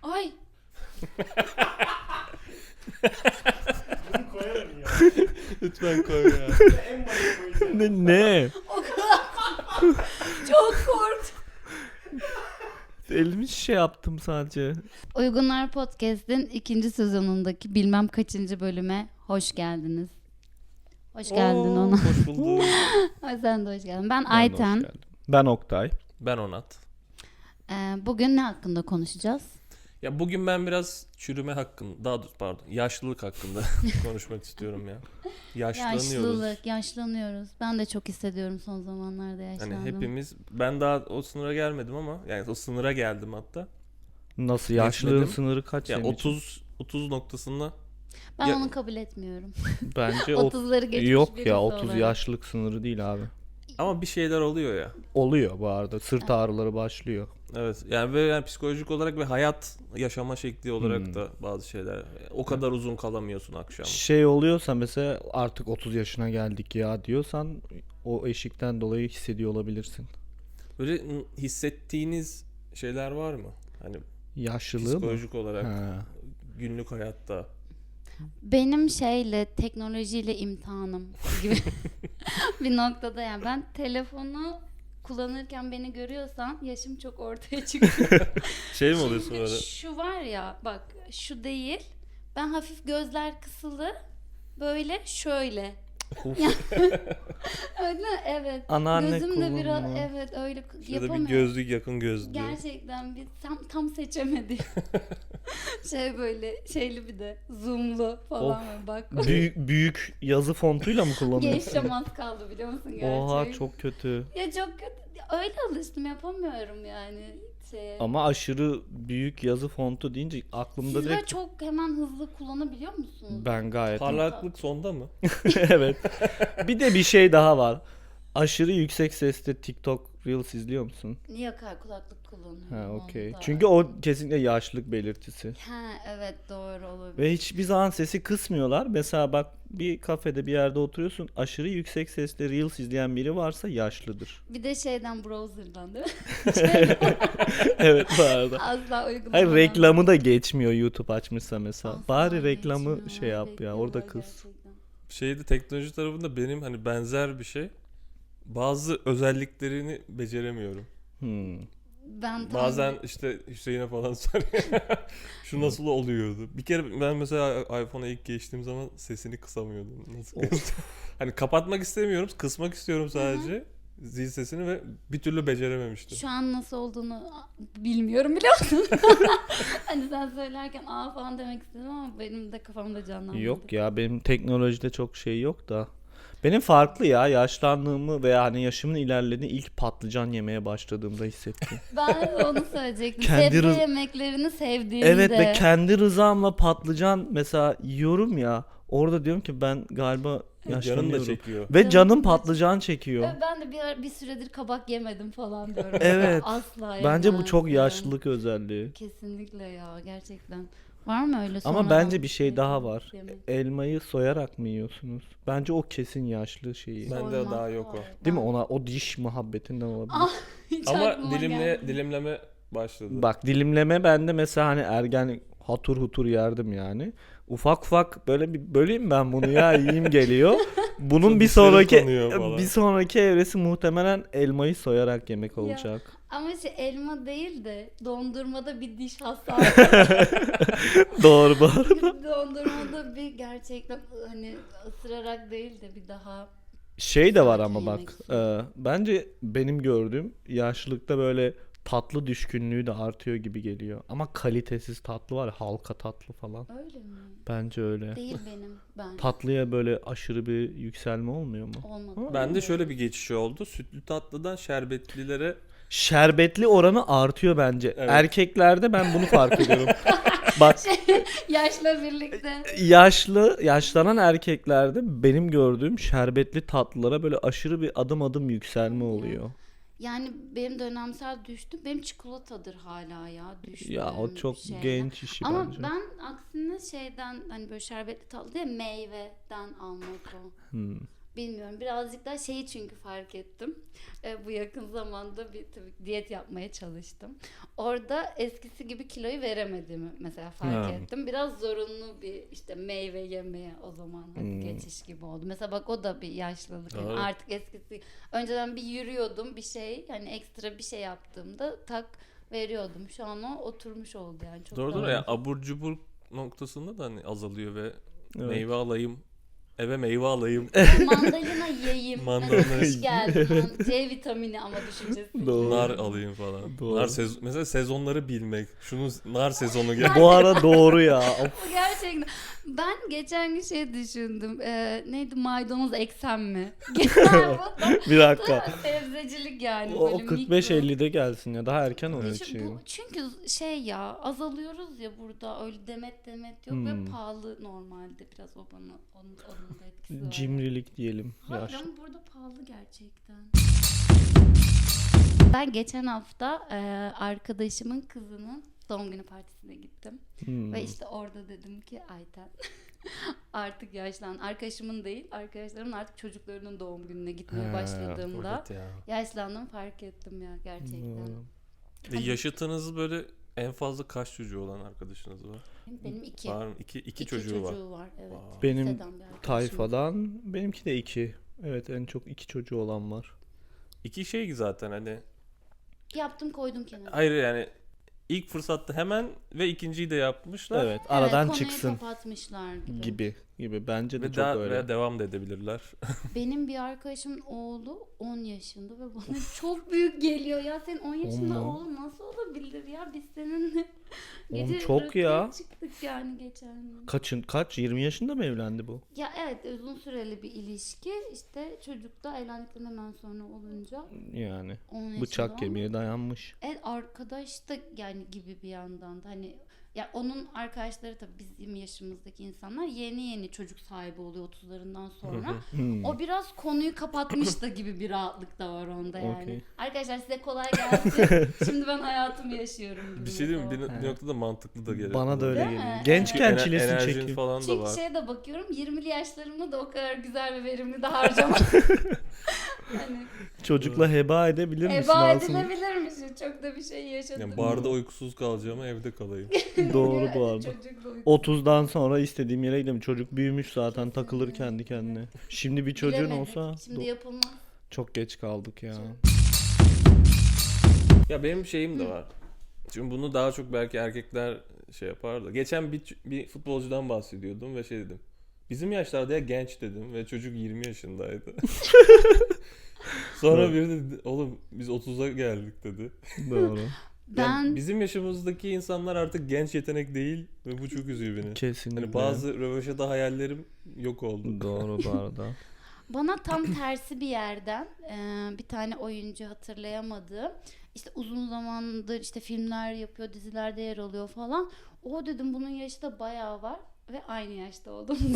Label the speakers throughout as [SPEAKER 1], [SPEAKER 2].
[SPEAKER 1] Ay.
[SPEAKER 2] Bunu koyalım ya.
[SPEAKER 3] Lütfen koy ya.
[SPEAKER 2] En başa koyacağım.
[SPEAKER 3] Ne?
[SPEAKER 1] O kadar çok korktum.
[SPEAKER 3] Elimi şey yaptım sadece.
[SPEAKER 1] Uygunlar Podcast'in 2. sezonundaki bilmem kaçıncı bölüme hoş geldiniz. Hoş geldin ona.
[SPEAKER 3] Hoş bulduk.
[SPEAKER 1] Ay, sen de hoş geldin. Ben
[SPEAKER 3] Ben
[SPEAKER 1] Ayten.
[SPEAKER 3] hoş geldim. Ben Oktay.
[SPEAKER 4] Ben Onat.
[SPEAKER 1] Bugün ne hakkında konuşacağız?
[SPEAKER 4] Ya bugün ben biraz çürüme hakkında, daha doğrusu pardon, yaşlılık hakkında konuşmak istiyorum ya. Yaşlanıyoruz.
[SPEAKER 1] Yaşlılık, yaşlanıyoruz. Ben de çok hissediyorum son zamanlarda
[SPEAKER 4] Hani
[SPEAKER 1] yaşlandım.
[SPEAKER 4] hepimiz, ben daha o sınıra gelmedim ama yani o sınıra geldim hatta.
[SPEAKER 3] Nasıl yaşlılığın
[SPEAKER 4] Geçmedim.
[SPEAKER 3] sınırı kaç
[SPEAKER 4] Ya
[SPEAKER 3] senin için?
[SPEAKER 4] 30 noktasında
[SPEAKER 1] Ben
[SPEAKER 4] Ya-
[SPEAKER 1] onu kabul etmiyorum.
[SPEAKER 3] Bence
[SPEAKER 1] 30'ları geçmiş
[SPEAKER 3] yok
[SPEAKER 1] birisi
[SPEAKER 3] ya 30
[SPEAKER 1] olarak.
[SPEAKER 3] yaşlılık sınırı değil abi.
[SPEAKER 4] ama bir şeyler oluyor ya.
[SPEAKER 3] Oluyor bu arada. Sırt ağrıları başlıyor.
[SPEAKER 4] Evet yani ve yani psikolojik olarak ve hayat yaşama şekli olarak
[SPEAKER 3] Hmm.
[SPEAKER 4] da bazı şeyler. O kadar uzun kalamıyorsun akşam.
[SPEAKER 3] Şey oluyorsa mesela artık 30 yaşına geldik ya diyorsan o eşikten dolayı hissediyor olabilirsin.
[SPEAKER 4] Böyle hissettiğiniz şeyler var mı? Hani
[SPEAKER 3] Yaşlılığı mı?
[SPEAKER 4] psikolojik olarak
[SPEAKER 3] Ha.
[SPEAKER 4] günlük hayatta.
[SPEAKER 1] Benim teknolojiyle imtihanım gibi bir noktada, yani ben telefonu kullanırken beni görüyorsan yaşım çok ortaya çıkıyor.
[SPEAKER 4] Şey mi oluyorsun
[SPEAKER 1] Çünkü
[SPEAKER 4] böyle?
[SPEAKER 1] şu var ya, bak şu değil. Ben hafif gözler kısılı, böyle şöyle. Öyle, evet.
[SPEAKER 3] Anneanne
[SPEAKER 1] Gözüm de biraz,
[SPEAKER 3] kullanma.
[SPEAKER 1] evet, öyle
[SPEAKER 4] Şurada bir
[SPEAKER 1] yapamıyorum.
[SPEAKER 4] gözlük, yakın gözlük.
[SPEAKER 1] Gerçekten bir tam seçemedi. Böyle şeyli, bir de zoomlu falan var, bak.
[SPEAKER 3] Büyük yazı fontuyla mı kullanıyorsun?
[SPEAKER 1] Geçeceğim, az kaldı biliyor musun gerçekten?
[SPEAKER 3] Oha çok kötü.
[SPEAKER 1] Ya çok kötü. Öyle alıştım, yapamıyorum yani şeye.
[SPEAKER 3] Ama aşırı büyük yazı fontu deyince aklımda
[SPEAKER 1] Siz böyle
[SPEAKER 3] direkt
[SPEAKER 1] çok hemen hızlı kullanabiliyor musunuz?
[SPEAKER 3] ben gayet
[SPEAKER 4] Parlaklık sonda mı?
[SPEAKER 3] evet. Bir de bir şey daha var. Aşırı yüksek sesle TikTok Reels izliyor musun?
[SPEAKER 1] Niye kulaklık kullanıyorum?
[SPEAKER 3] Ha okey.
[SPEAKER 1] onda?
[SPEAKER 3] Çünkü o kesinlikle yaşlılık belirtisi.
[SPEAKER 1] Ha, evet, doğru olabilir.
[SPEAKER 3] Ve hiçbir zaman sesi kısmıyorlar. Mesela bak bir kafede bir yerde oturuyorsun. Aşırı yüksek sesle Reels izleyen biri varsa yaşlıdır.
[SPEAKER 1] Bir de browser'dan değil mi?
[SPEAKER 3] Evet bu arada.
[SPEAKER 1] Asla uygulamadan.
[SPEAKER 3] Hayır reklamı da geçmiyor YouTube açmışsa mesela.
[SPEAKER 1] Asla
[SPEAKER 3] Bari reklamı
[SPEAKER 1] geçmiyor,
[SPEAKER 3] şey yap ya
[SPEAKER 1] bekliyorlar
[SPEAKER 3] orada kız.
[SPEAKER 1] gerçekten.
[SPEAKER 4] Şeyde teknoloji tarafında benim hani benzer bir şey. Bazı özelliklerini beceremiyorum.
[SPEAKER 1] Ben tam
[SPEAKER 4] Bazen işte Hüseyin'e falan soruyor. Şu nasıl oluyordu? Bir kere ben mesela iPhone'a ilk geçtiğim zaman sesini kısamıyordum. Nasıl kıstım? Hani kapatmak istemiyorum, kısmak istiyorum sadece. Zil sesini ve bir türlü becerememiştim.
[SPEAKER 1] şu an nasıl olduğunu bilmiyorum, biliyor musun? Hani sen söylerken falan demek istedim ama benim de kafamda canlanmadı.
[SPEAKER 3] Yok ya benim teknolojide çok şey yok da. Benim farklı ya yaşlandığımı veya hani yaşımın ilerlediğini ilk patlıcan yemeye başladığımda hissettim.
[SPEAKER 1] Ben de onu söyleyecektim.
[SPEAKER 3] Kendi
[SPEAKER 1] Sebze
[SPEAKER 3] rız-
[SPEAKER 1] yemeklerini sevdiğimde.
[SPEAKER 3] Evet ve kendi rızamla patlıcan mesela yiyorum ya orada diyorum ki ben galiba
[SPEAKER 4] Canım da
[SPEAKER 3] yaşlanıyorum.
[SPEAKER 4] çekiyor.
[SPEAKER 3] Ve
[SPEAKER 1] Canım
[SPEAKER 3] canım
[SPEAKER 1] da
[SPEAKER 3] patlıcan çekiyor.
[SPEAKER 1] Ve ben de bir süredir kabak yemedim falan diyorum.
[SPEAKER 3] Evet.
[SPEAKER 1] Asla
[SPEAKER 3] Bence bu çok
[SPEAKER 1] yemezdim.
[SPEAKER 3] yaşlılık özelliği.
[SPEAKER 1] Kesinlikle ya, gerçekten. Var mı öyle
[SPEAKER 3] Ama
[SPEAKER 1] sonradan
[SPEAKER 3] bence bir şey daha var.
[SPEAKER 1] yemek?
[SPEAKER 3] Elmayı soyarak mı yiyorsunuz? Bence o kesin yaşlı şeyi.
[SPEAKER 4] Ben- Bende
[SPEAKER 1] Soymak
[SPEAKER 4] daha yok o.
[SPEAKER 1] var.
[SPEAKER 3] Değil mi? Ona o diş muhabbetinden olabilir.
[SPEAKER 1] Ah, hiç
[SPEAKER 4] Ama
[SPEAKER 1] aklıma gelmedi.
[SPEAKER 4] dilimleme başladı.
[SPEAKER 3] Bak dilimleme bende mesela hani ergen hatur hutur yerdim yani. Ufak ufak böyle bir böleyim ben bunu ya yiyeyim geliyor. Bunun bir
[SPEAKER 4] Dişlerim
[SPEAKER 3] sonraki
[SPEAKER 4] kanıyor falan.
[SPEAKER 3] bir sonraki evresi muhtemelen elmayı soyarak yemek olacak.
[SPEAKER 1] Ama elma değil de dondurmada bir diş hastalığı.
[SPEAKER 3] Doğru bu arada.
[SPEAKER 1] Dondurmada bir gerçekten hani ısırarak değil de bir daha
[SPEAKER 3] Şey de var
[SPEAKER 1] Sakin
[SPEAKER 3] ama
[SPEAKER 1] yemek
[SPEAKER 3] bak
[SPEAKER 1] istiyorum.
[SPEAKER 3] bence benim gördüğüm yaşlılıkta böyle tatlı düşkünlüğü de artıyor gibi geliyor. Ama kalitesiz tatlı var ya, halka tatlı falan.
[SPEAKER 1] öyle mi?
[SPEAKER 3] Bence öyle.
[SPEAKER 1] Değil benim, ben.
[SPEAKER 3] Tatlıya böyle aşırı bir yükselme olmuyor mu?
[SPEAKER 1] Olmadı.
[SPEAKER 4] Bende şöyle bir geçiş oldu. Sütlü tatlıdan şerbetlilere
[SPEAKER 3] Şerbetli oranı artıyor bence.
[SPEAKER 4] Evet.
[SPEAKER 3] Erkeklerde ben bunu fark ediyorum. Bak
[SPEAKER 1] Yaşla birlikte.
[SPEAKER 3] yaşlanan erkeklerde benim gördüğüm şerbetli tatlılara böyle aşırı bir adım adım yükselme oluyor.
[SPEAKER 1] Yani benim dönemsel düştü. Benim çikolatadır hala ya düştü.
[SPEAKER 3] Ya o çok genç işi
[SPEAKER 1] Ama
[SPEAKER 3] bence.
[SPEAKER 1] ben aksine hani böyle şerbetli tatlı değil, meyveden almak o. Bilmiyorum. Birazcık daha şeyi çünkü fark ettim. Bu yakın zamanda bir tabii diyet yapmaya çalıştım. Orada eskisi gibi kiloyu veremediğimi mesela fark
[SPEAKER 3] Ha.
[SPEAKER 1] ettim. Biraz zorunlu bir işte meyve yemeye o zaman geçiş gibi oldu. Mesela bak o da bir yaşlılık. Yani
[SPEAKER 4] Doğru.
[SPEAKER 1] artık eskisi önceden bir yürüyordum bir şey hani ekstra bir şey yaptığımda tak veriyordum. Şu an o oturmuş oldu yani. Çok
[SPEAKER 4] Doğru
[SPEAKER 1] daha-
[SPEAKER 4] doğru. Yani abur cubur noktasında da hani azalıyor ve
[SPEAKER 3] Evet.
[SPEAKER 4] meyve alayım. Eve meyve alayım.
[SPEAKER 1] Mandalina yiyeyim.
[SPEAKER 4] Mandalina.
[SPEAKER 1] Mesela kış geldi. C vitamini ama düşüncesi.
[SPEAKER 3] Doğru.
[SPEAKER 4] Nar alayım falan.
[SPEAKER 3] Doğru.
[SPEAKER 4] Mesela sezonları bilmek. Şunun nar sezonu gel.
[SPEAKER 3] Bu ara doğru ya. Of.
[SPEAKER 1] Bu gerçekten. Ben geçen gün şey düşündüm. Neydi maydanoz eksem mi? Genel bu
[SPEAKER 3] Bir dakika.
[SPEAKER 1] sebzecilik yani.
[SPEAKER 3] O
[SPEAKER 1] böyle
[SPEAKER 3] 45-50'de gelsin ya. Daha erken
[SPEAKER 1] mikro.
[SPEAKER 3] ölçeyim.
[SPEAKER 1] Çünkü şey ya azalıyoruz ya burada öyle demet yok ve pahalı normalde biraz o bana onun da etkisi var.
[SPEAKER 3] Cimrilik diyelim.
[SPEAKER 1] Hayır
[SPEAKER 3] Yaşlı.
[SPEAKER 1] ama burada pahalı gerçekten. Ben geçen hafta arkadaşımın kızının doğum günü partisine gittim. Ve işte orada dedim ki Ayten artık yaşlan. Arkadaşımın değil, arkadaşlarımın artık çocuklarının doğum gününe gitmeye başladığımda
[SPEAKER 4] Evet ya.
[SPEAKER 1] yaşlandım fark ettim ya gerçekten.
[SPEAKER 4] Yaşıtınız böyle en fazla kaç çocuğu olan arkadaşınız var?
[SPEAKER 1] Benim iki.
[SPEAKER 4] Var mı? İki çocuğu var.
[SPEAKER 1] Evet.
[SPEAKER 4] Vay.
[SPEAKER 3] Benim
[SPEAKER 1] Liseden bir arkadaşım.
[SPEAKER 3] tayfadan benimki de 2. Evet en çok 2 çocuğu olan var.
[SPEAKER 4] İki şey zaten hani.
[SPEAKER 1] Yaptım koydum kenara.
[SPEAKER 4] Hayır yani ilk fırsatta hemen ve ikinciyi de yapmışlar.
[SPEAKER 3] Evet aradan
[SPEAKER 1] konuyu
[SPEAKER 3] çıksın
[SPEAKER 1] kapatmışlar
[SPEAKER 3] gibi. Bence de
[SPEAKER 4] Ve
[SPEAKER 3] çok
[SPEAKER 4] daha
[SPEAKER 3] öyle.
[SPEAKER 4] ve devam da edebilirler.
[SPEAKER 1] Benim bir arkadaşımın oğlu 10 yaşında ve bana çok büyük geliyor. Ya senin 10 yaşında
[SPEAKER 3] mu?
[SPEAKER 1] oğlun nasıl olabilir ya? Biz seninle
[SPEAKER 3] Oğlum
[SPEAKER 1] gece
[SPEAKER 3] çok
[SPEAKER 1] rakıya
[SPEAKER 3] ya.
[SPEAKER 1] çıktık yani geçen gün.
[SPEAKER 3] Kaç? 20 yaşında mı evlendi bu?
[SPEAKER 1] Ya evet uzun süreli bir ilişki. İşte çocuk da evlendikten hemen sonra olunca
[SPEAKER 3] Yani
[SPEAKER 1] 10 yaşında
[SPEAKER 3] bıçak
[SPEAKER 1] ama-
[SPEAKER 3] kemiğe dayanmış.
[SPEAKER 1] Evet arkadaş da yani gibi bir yandan da hani ya onun arkadaşları tabii bizim yaşımızdaki insanlar yeni çocuk sahibi oluyor 30'larından sonra. O biraz konuyu kapatmış da gibi bir rahatlık da var onda yani.
[SPEAKER 3] Okey.
[SPEAKER 1] Arkadaşlar size kolay gelsin. Şimdi ben hayatımı yaşıyorum gibi.
[SPEAKER 4] Bir şey diyeyim mi?
[SPEAKER 1] mesela.
[SPEAKER 4] Bir noktada mantıklı da geliyor.
[SPEAKER 3] Bana da öyle
[SPEAKER 1] Değil
[SPEAKER 3] geliyor.
[SPEAKER 1] mi?
[SPEAKER 3] Gençken
[SPEAKER 4] Çünkü
[SPEAKER 3] çilesini
[SPEAKER 4] enerjin
[SPEAKER 3] çekiyor.
[SPEAKER 4] falan da
[SPEAKER 1] Çünkü
[SPEAKER 4] var.
[SPEAKER 1] şeye de bakıyorum 20'li yaşlarımda da o kadar güzel ve verimli de harcama. hani
[SPEAKER 3] Çocukla heba edebilir misin
[SPEAKER 1] heba
[SPEAKER 3] aslında?
[SPEAKER 1] edilebilirmiş. Çok da bir şey yaşadım.
[SPEAKER 4] Yani barda uykusuz kalacağım evde kalayım.
[SPEAKER 3] Doğru bu
[SPEAKER 1] Yani
[SPEAKER 3] arada.
[SPEAKER 1] çocukla uyku-
[SPEAKER 3] 30'dan sonra istediğim yere gidelim. Çocuk büyümüş zaten takılır kendi kendine. Şimdi bir çocuğun
[SPEAKER 1] Bilemedik.
[SPEAKER 3] olsa
[SPEAKER 1] Şimdi yapılmaz.
[SPEAKER 3] çok geç kaldık ya.
[SPEAKER 4] Ya benim şeyim de var. Çünkü bunu daha çok belki erkekler şey yapar da. Geçen bir futbolcudan bahsediyordum ve şey dedim. Bizim yaşlarda ya genç dedim ve çocuk 20 yaşındaydı. Sonra biri dedi oğlum biz 30'a geldik dedi.
[SPEAKER 3] Doğru.
[SPEAKER 4] Yani
[SPEAKER 1] Ben
[SPEAKER 4] bizim yaşımızdaki insanlar artık genç yetenek değil ve bu çok üzüyor beni.
[SPEAKER 3] Kesinlikle.
[SPEAKER 4] Hani bazı röveşata hayallerim yok oldu.
[SPEAKER 3] Doğru bu arada.
[SPEAKER 1] bana tam tersi bir yerden bir tane oyuncu hatırlayamadım. İşte uzun zamandır işte filmler yapıyor, dizilerde yer alıyor falan. O dedim bunun yaşı da bayağı var ve aynı yaşta olduğumuzu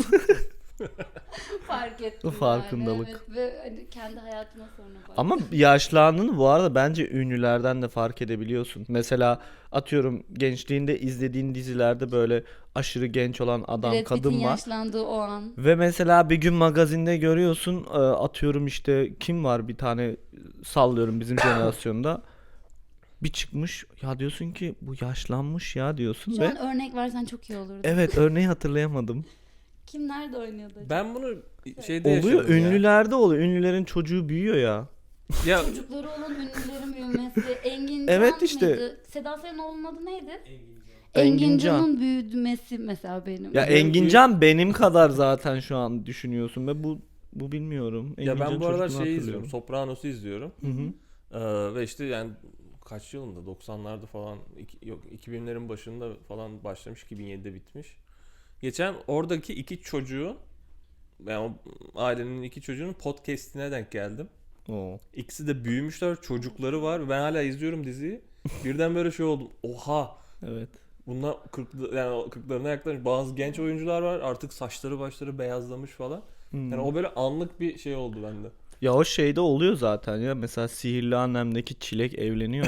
[SPEAKER 1] fark ettim.
[SPEAKER 3] Farkındalık.
[SPEAKER 1] Yani. Evet, ve hani kendi hayatıma sonra baktım.
[SPEAKER 3] Ama yaşlandığını bu arada bence ünlülerden de fark edebiliyorsun. Mesela atıyorum gençliğinde izlediğin dizilerde böyle aşırı genç olan adam,
[SPEAKER 1] Brad Pitt'in
[SPEAKER 3] kadın var.
[SPEAKER 1] yaşlandığı o an.
[SPEAKER 3] Ve mesela bir gün magazinde görüyorsun atıyorum işte kim var bir tane sallıyorum bizim jenerasyonda. Bir çıkmış ya diyorsun ki bu yaşlanmış ya diyorsun
[SPEAKER 1] Şu
[SPEAKER 3] ve
[SPEAKER 1] an örnek versen çok iyi olurdu.
[SPEAKER 3] evet örneği hatırlayamadım.
[SPEAKER 1] Kim nerede oynuyordu acaba?
[SPEAKER 4] Ben bunu şeyde
[SPEAKER 3] Oluyor
[SPEAKER 4] yaşadım ya.
[SPEAKER 3] ünlülerde oluyor. Ünlülerin çocuğu büyüyor ya.
[SPEAKER 4] Ya
[SPEAKER 1] Çocukları olan ünlülerin büyümesi. Engin
[SPEAKER 3] Evet
[SPEAKER 1] Can
[SPEAKER 3] işte.
[SPEAKER 1] mıydı? Seda Sayan'ın oğlunun adı neydi?
[SPEAKER 3] Engin
[SPEAKER 1] Engin
[SPEAKER 3] Can.
[SPEAKER 1] Can'ın büyümesi mesela benim.
[SPEAKER 3] Ya Engincan benim kadar zaten şu an düşünüyorsun ve bu bilmiyorum.
[SPEAKER 4] ya ben
[SPEAKER 3] Engincan
[SPEAKER 4] bu aralar
[SPEAKER 3] çocukluğunu
[SPEAKER 4] şeyi
[SPEAKER 3] hatırlıyorum.
[SPEAKER 4] izliyorum. Sopranos'u izliyorum.
[SPEAKER 3] Hı hı.
[SPEAKER 4] Ve işte yani kaç yılında 90'larda falan yok 2000'lerin başında falan başlamış 2007'de bitmiş. Geçen oradaki iki çocuğun yani o ailenin iki çocuğunun podcast'ine denk geldim.
[SPEAKER 3] Oo.
[SPEAKER 4] İkisi de büyümüşler, çocukları var. Ben hala izliyorum diziyi. Birden böyle şey oldum. Oha!
[SPEAKER 3] Evet.
[SPEAKER 4] Bunlar 40'larına yaklaşmış. Bazı genç oyuncular var. Artık saçları başları beyazlamış falan. Yani o böyle anlık bir şey oldu bende.
[SPEAKER 3] Ya o şeyde oluyor zaten ya. Mesela Sihirli Annem'deki Çilek evleniyor ya.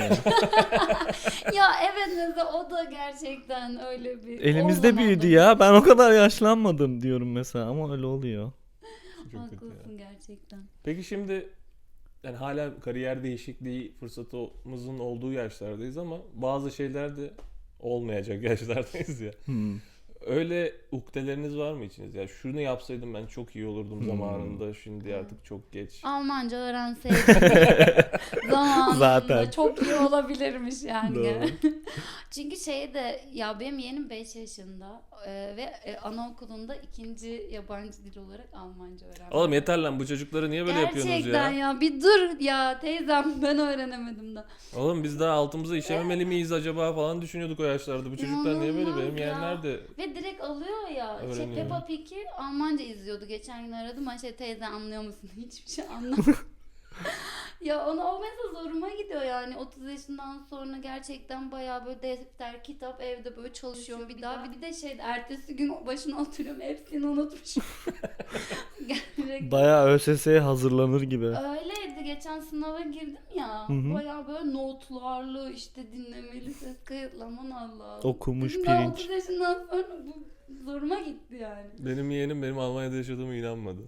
[SPEAKER 1] Ya evet mesela o da gerçekten öyle bir...
[SPEAKER 3] Elimizde
[SPEAKER 1] o zamanlar-
[SPEAKER 3] büyüdü ya. Ben o kadar yaşlanmadım diyorum mesela ama öyle oluyor.
[SPEAKER 4] çok kötü ya.
[SPEAKER 1] Haklısın gerçekten.
[SPEAKER 4] Peki şimdi yani hala kariyer değişikliği fırsatımızın olduğu yaşlardayız ama bazı şeyler de olmayacak yaşlardayız ya. Öyle ukdeleriniz var mı içinizde? Ya şunu yapsaydım ben çok iyi olurdum zamanında. Şimdi artık çok geç.
[SPEAKER 1] Almanca öğrenseydim zamanında
[SPEAKER 3] Zaten.
[SPEAKER 1] çok iyi olabilirmiş yani.
[SPEAKER 3] Doğru.
[SPEAKER 1] Çünkü ya benim yeğenim 5 yaşında ve anaokulunda ikinci yabancı dil olarak Almanca öğrenmiş.
[SPEAKER 4] Oğlum yeter lan, bu çocukları niye böyle yapıyorsunuz
[SPEAKER 1] Gerçekten
[SPEAKER 4] ya?
[SPEAKER 1] ya bir dur ya teyzem, ben öğrenemedim da.
[SPEAKER 4] Oğlum biz daha altımıza işememeli miyiz acaba falan düşünüyorduk o yaşlarda. Bu çocuklar niye böyle?
[SPEAKER 1] İnanılmaz
[SPEAKER 4] Benim
[SPEAKER 1] ya.
[SPEAKER 4] yeğenler de
[SPEAKER 1] Ve direkt alıyor ya.
[SPEAKER 4] Öğreniyor.
[SPEAKER 1] Peppa Pig'i Almanca izliyordu. Geçen gün aradım. Teyze anlıyor musun? Hiçbir şey anlamadım. Ya o mesela zoruma gidiyor yani. 30 yaşından sonra gerçekten bayağı böyle defter, kitap evde böyle çalışıyorum bir daha. Bir de ertesi gün başına oturuyorum. Hepsini unutmuşum. Gerçekten.
[SPEAKER 3] Bayağı ÖSS'ye hazırlanır gibi.
[SPEAKER 1] Öyleydi. Geçen sınava girdim ya.
[SPEAKER 3] Hı hı.
[SPEAKER 1] Bayağı böyle notlarlı işte dinlemeli ses kayıtlaman Allah.
[SPEAKER 3] Okumuş
[SPEAKER 1] Dedim, ben
[SPEAKER 3] pirinç.
[SPEAKER 1] 30 yaşından sonra bu zoruma gitti yani.
[SPEAKER 4] benim yeğenim benim Almanya'da yaşadığıma inanmadı.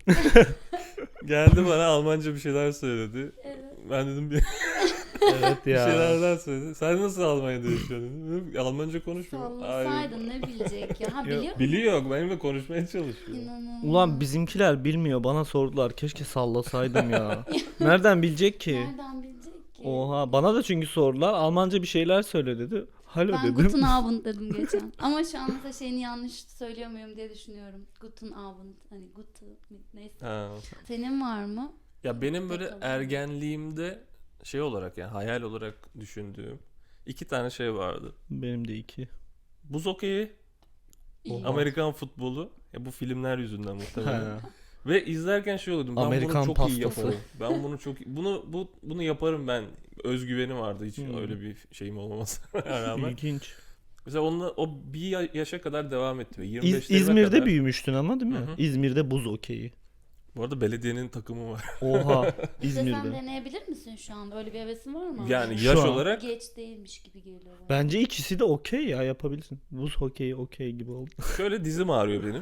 [SPEAKER 4] Geldi bana Almanca bir şeyler söyledi.
[SPEAKER 1] Evet.
[SPEAKER 4] Ben dedim bir
[SPEAKER 3] Evet ya.
[SPEAKER 4] şeylerden söyledi. Sen nasıl Almanya'da yaşıyorsun dedim. Almanca konuşmuyor.
[SPEAKER 1] Sallasaydın ne bilecek ya. Ha biliyor musun?
[SPEAKER 4] Biliyor, benimle konuşmaya çalışıyor.
[SPEAKER 1] İnanılmaz.
[SPEAKER 3] Ulan bizimkiler bilmiyor. Bana sordular. Keşke sallasaydım ya. Nereden bilecek ki?
[SPEAKER 1] Nereden bilecek ki?
[SPEAKER 3] Oha. Bana da çünkü sordular. Almanca bir şeyler söyle dedi. Hallo
[SPEAKER 1] Ben
[SPEAKER 3] dedim.
[SPEAKER 1] Guten Abend dedim geçen. Ama şu an mesela şeyini yanlış söylüyor muyum diye düşünüyorum. Guten Abend. Hani Guten neyse.
[SPEAKER 4] Ha.
[SPEAKER 1] Senin var mı?
[SPEAKER 4] Ya benim böyle
[SPEAKER 1] Bakalım.
[SPEAKER 4] ergenliğimde şey olarak yani hayal olarak düşündüğüm 2 tane şey vardı.
[SPEAKER 3] Benim de 2.
[SPEAKER 4] Buz hokeyi,
[SPEAKER 1] İyi.
[SPEAKER 4] Amerikan futbolu. Ya bu filmler yüzünden muhtemelen.
[SPEAKER 3] Ha.
[SPEAKER 4] Ve izlerken şey oluyordum. Ben
[SPEAKER 3] Amerikan
[SPEAKER 4] bunu çok iyi
[SPEAKER 3] pastası.
[SPEAKER 4] yaparım. Ben bunu çok bunu yaparım ben. Özgüvenim vardı, hiç
[SPEAKER 3] Hmm.
[SPEAKER 4] öyle bir şeyim olmamasına rağmen.
[SPEAKER 3] İlginç.
[SPEAKER 4] Mesela onunla o bir yaşa kadar devam etti. 25'lerime
[SPEAKER 3] İzmir'de
[SPEAKER 4] kadar.
[SPEAKER 3] büyümüştün ama değil mi?
[SPEAKER 4] Hı hı.
[SPEAKER 3] İzmir'de buz okeyi.
[SPEAKER 4] Bu arada belediyenin takımı var.
[SPEAKER 3] Oha.
[SPEAKER 1] İşte sen
[SPEAKER 3] İzmir'de.
[SPEAKER 1] deneyebilir misin şu an? Öyle bir hevesin var mı?
[SPEAKER 4] Yani
[SPEAKER 3] Şu
[SPEAKER 4] yaş
[SPEAKER 3] an-
[SPEAKER 4] olarak
[SPEAKER 1] Geç değilmiş gibi geliyor bana.
[SPEAKER 3] Bence ikisi de okey ya, yapabilirsin. Buz hokeyi okey gibi oldu.
[SPEAKER 4] şöyle dizim ağrıyor benim.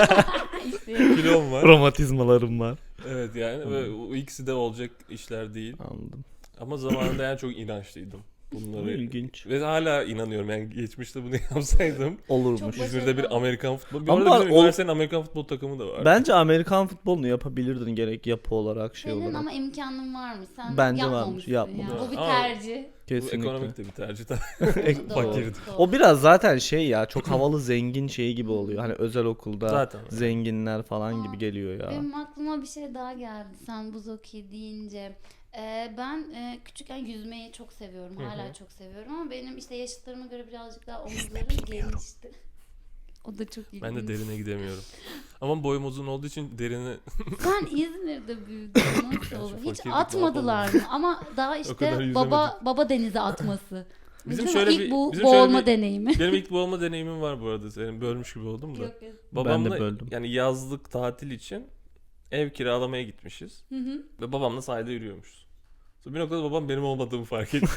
[SPEAKER 1] İşte
[SPEAKER 4] Kilom var.
[SPEAKER 3] Romatizmalarım var.
[SPEAKER 4] Evet yani ve o ikisi de olacak işler değil.
[SPEAKER 3] Anladım.
[SPEAKER 4] Ama zamanında yani çok inançlıydım bunları.
[SPEAKER 3] İlginç.
[SPEAKER 4] Ve hala inanıyorum yani geçmişte bunu yapsaydım.
[SPEAKER 3] Olurmuş.
[SPEAKER 1] Çok
[SPEAKER 4] İzmir'de bir Amerikan futbol. Bir
[SPEAKER 3] Ama
[SPEAKER 4] arada bizim
[SPEAKER 3] o-
[SPEAKER 4] üniversitenin Amerikan futbol takımı da var.
[SPEAKER 3] Bence Amerikan futbolunu yapabilirdin, gerek yapı olarak şey
[SPEAKER 1] senin
[SPEAKER 3] olarak.
[SPEAKER 1] ama imkanın varmış. Sen
[SPEAKER 3] Bence
[SPEAKER 1] yapmamışsın
[SPEAKER 3] varmış,
[SPEAKER 1] ya.
[SPEAKER 3] yapmadım.
[SPEAKER 1] Bu bir
[SPEAKER 4] Ama-
[SPEAKER 1] tercih.
[SPEAKER 4] Bu
[SPEAKER 3] Kesinlikle.
[SPEAKER 4] ekonomik de bir tercih tabii.
[SPEAKER 1] Doğru,
[SPEAKER 4] Fakirdi.
[SPEAKER 1] doğru.
[SPEAKER 3] O biraz zaten şey ya, çok havalı zengin şeyi gibi oluyor. Hani özel okulda
[SPEAKER 4] Zaten.
[SPEAKER 3] zenginler falan gibi
[SPEAKER 1] Aa,
[SPEAKER 3] geliyor ya.
[SPEAKER 1] Benim aklıma bir şey daha geldi sen buz hokeyi deyince. Ben küçükken yüzmeyi çok seviyorum.
[SPEAKER 4] Hı hı.
[SPEAKER 1] Hala çok seviyorum ama benim işte yaşıtlarıma göre birazcık daha omuzlarım genişti. O da çok ilginç.
[SPEAKER 4] Ben de derine gidemiyorum. Ama boyum uzun olduğu için derine
[SPEAKER 1] Sen İzmir'de büyüdün. Nasıl olur? Hiç
[SPEAKER 4] fakirdik,
[SPEAKER 1] atmadılar mı? Ama daha
[SPEAKER 4] kadar
[SPEAKER 1] işte
[SPEAKER 4] yüzemedik.
[SPEAKER 1] baba denize atması.
[SPEAKER 4] Bizim
[SPEAKER 1] Bizim
[SPEAKER 4] şöyle
[SPEAKER 1] ilk
[SPEAKER 4] bir-
[SPEAKER 1] bu
[SPEAKER 4] bizim şöyle
[SPEAKER 1] boğulma
[SPEAKER 4] bir-
[SPEAKER 1] deneyimi.
[SPEAKER 4] benim ilk boğulma deneyimim var bu arada. Senin bölmüş gibi oldum da.
[SPEAKER 1] Yok, yok.
[SPEAKER 4] Babamla
[SPEAKER 3] Ben de böldüm.
[SPEAKER 4] yani yazlık tatil için ev kiralamaya gitmişiz.
[SPEAKER 1] Hı hı.
[SPEAKER 4] Ve babamla sahilde yürüyormuşuz. Sonra bir noktada babam benim olmadığımı fark etti.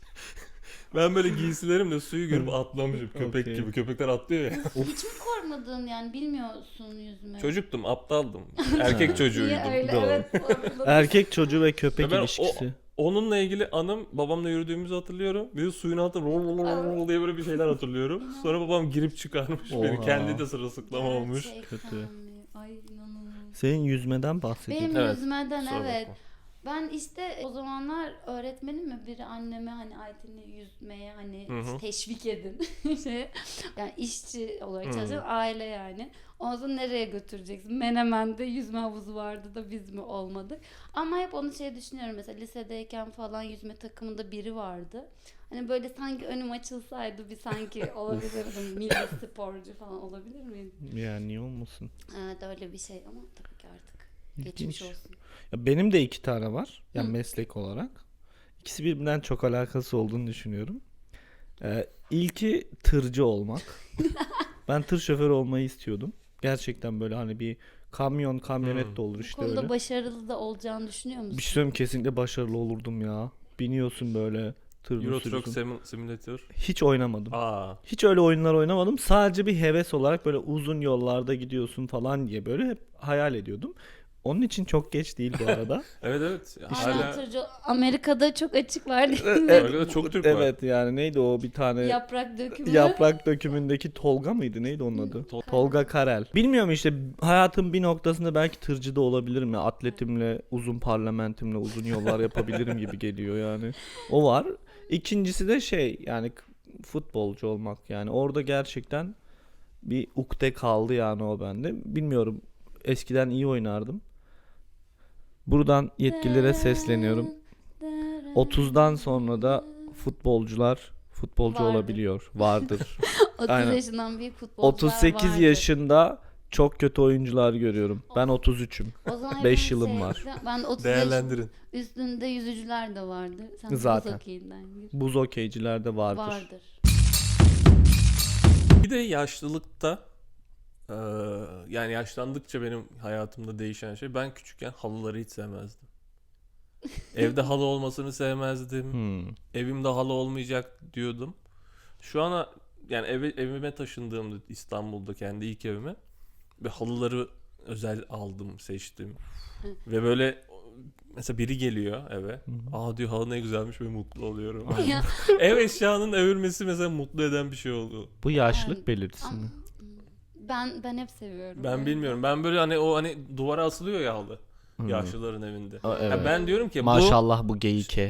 [SPEAKER 4] Ben böyle giysilerimle suyu görüp atlamışım köpek
[SPEAKER 3] Okey.
[SPEAKER 4] gibi. Köpekler atlıyor ya.
[SPEAKER 1] Hiç mi korkmadın yani bilmiyorsun yüzme?
[SPEAKER 4] Çocuktum, aptaldım. Erkek çocuğuydum.
[SPEAKER 1] Niye öyle?
[SPEAKER 3] Doğru.
[SPEAKER 1] Evet. sorguladım.
[SPEAKER 3] Erkek çocuğu ve köpek
[SPEAKER 4] Ve ben
[SPEAKER 3] ilişkisi.
[SPEAKER 4] Onunla ilgili anım, babamla yürüdüğümüzü hatırlıyorum. Bir de suyun altında rol rol rol rol diye böyle bir şeyler hatırlıyorum. Sonra babam girip çıkarmış beni.
[SPEAKER 3] Oha.
[SPEAKER 4] Kendi de sırılsıklam olmuş.
[SPEAKER 1] Gerçekten
[SPEAKER 3] Kötü.
[SPEAKER 1] mi? Ay inanılmaz.
[SPEAKER 3] Senin yüzmeden bahsediyorsun.
[SPEAKER 1] Benim
[SPEAKER 4] Evet,
[SPEAKER 1] yüzmeden
[SPEAKER 4] kusura
[SPEAKER 1] evet.
[SPEAKER 4] bakma.
[SPEAKER 1] Ben işte o zamanlar öğretmenim mi biri anneme hani Ayten'i yüzmeye hani
[SPEAKER 4] Hı hı.
[SPEAKER 1] teşvik edin. Yani işçi olarak
[SPEAKER 4] Hı.
[SPEAKER 1] çalışan aile yani. O zaman nereye götüreceksin? Menemen'de yüzme havuzu vardı da biz mi olmadık? Ama hep onu düşünüyorum mesela lisedeyken falan yüzme takımında biri vardı. Hani böyle sanki önüm açılsaydı bir sanki olabilirdim. Milli sporcu falan olabilir miyim?
[SPEAKER 3] Yani niye olmasın?
[SPEAKER 1] Evet öyle bir şey ama tabii ki artık
[SPEAKER 3] İlginç.
[SPEAKER 1] geçmiş olsun.
[SPEAKER 3] Ya benim de 2 tane var. Yani
[SPEAKER 1] Hı.
[SPEAKER 3] meslek olarak. İkisi birbirinden çok alakası olduğunu düşünüyorum. İlki tırcı olmak. Ben tır şoförü olmayı istiyordum. Gerçekten böyle hani bir kamyonet de olur
[SPEAKER 1] Bu
[SPEAKER 3] işte
[SPEAKER 1] konuda
[SPEAKER 3] öyle.
[SPEAKER 1] başarılı da olacağını düşünüyor musun?
[SPEAKER 3] Bir şey söyleyeyim, kesinlikle başarılı olurdum ya. Biniyorsun böyle tırını
[SPEAKER 4] Euro Truck
[SPEAKER 3] sürüyorsun.
[SPEAKER 4] Simulator.
[SPEAKER 3] Hiç oynamadım.
[SPEAKER 4] Aa.
[SPEAKER 3] Hiç öyle oyunlar oynamadım. Sadece bir heves olarak böyle uzun yollarda gidiyorsun falan diye böyle hep hayal ediyordum. Onun için çok geç değil bu arada.
[SPEAKER 4] Evet evet.
[SPEAKER 1] Hala
[SPEAKER 4] Hala
[SPEAKER 1] tırcı Amerika'da çok açık var değil mi?
[SPEAKER 4] Amerika'da çok Türk var.
[SPEAKER 3] Evet yani neydi o bir tane
[SPEAKER 1] Yaprak dökümü.
[SPEAKER 3] yaprak dökümündeki Tolga mıydı? Neydi onun adı? Tolga Karel. Bilmiyorum işte hayatın bir noktasında belki tırcı da olabilirim ya. Atletimle, uzun parlamentimle uzun yollar yapabilirim gibi geliyor yani. O var. İkincisi de şey yani futbolcu olmak yani. Orada gerçekten bir ukde kaldı yani o bende. Bilmiyorum. Eskiden iyi oynardım. Buradan yetkililere sesleniyorum. 30'dan sonra da futbolcu
[SPEAKER 1] Vardır.
[SPEAKER 3] olabiliyor. Vardır.
[SPEAKER 1] 30
[SPEAKER 3] Aynen.
[SPEAKER 1] yaşından büyük futbolcular
[SPEAKER 3] 38
[SPEAKER 1] vardır.
[SPEAKER 3] yaşında çok kötü oyuncular görüyorum. Ben 33'üm.
[SPEAKER 1] O zaman
[SPEAKER 3] 5
[SPEAKER 1] hepimiz
[SPEAKER 3] yılım var.
[SPEAKER 1] Ben 30 yaş
[SPEAKER 4] Değerlendirin.
[SPEAKER 1] üstünde yüzücüler de vardır. Sen
[SPEAKER 3] Zaten.
[SPEAKER 1] buz hokeyinden gir.
[SPEAKER 3] Buz okeycilerde vardır.
[SPEAKER 1] Vardır.
[SPEAKER 4] Bir de yaşlılıkta yani yaşlandıkça benim hayatımda değişen şey, ben küçükken halıları hiç sevmezdim. Evde halı olmasını sevmezdim.
[SPEAKER 3] Hmm.
[SPEAKER 4] Evimde halı olmayacak diyordum. Şu ana yani evime taşındığımda İstanbul'da kendi ilk evime ve halıları özel aldım, seçtim. Ve böyle mesela biri geliyor eve. Aa diyor, halı ne güzelmiş ve mutlu oluyorum.
[SPEAKER 1] Ya,
[SPEAKER 4] Ev eşyanın övülmesi mesela mutlu eden bir şey oldu.
[SPEAKER 3] Bu yaşlılık
[SPEAKER 1] Evet.
[SPEAKER 3] belirtisi mi?
[SPEAKER 1] ben hep seviyorum.
[SPEAKER 4] Ben
[SPEAKER 1] böyle.
[SPEAKER 4] bilmiyorum. Ben böyle hani duvara asılıyor ya halı.
[SPEAKER 3] Hmm.
[SPEAKER 4] Yaşlıların evinde.
[SPEAKER 3] Aa,
[SPEAKER 4] Ya
[SPEAKER 3] evet.
[SPEAKER 4] ben diyorum ki
[SPEAKER 3] Maşallah bu geyike.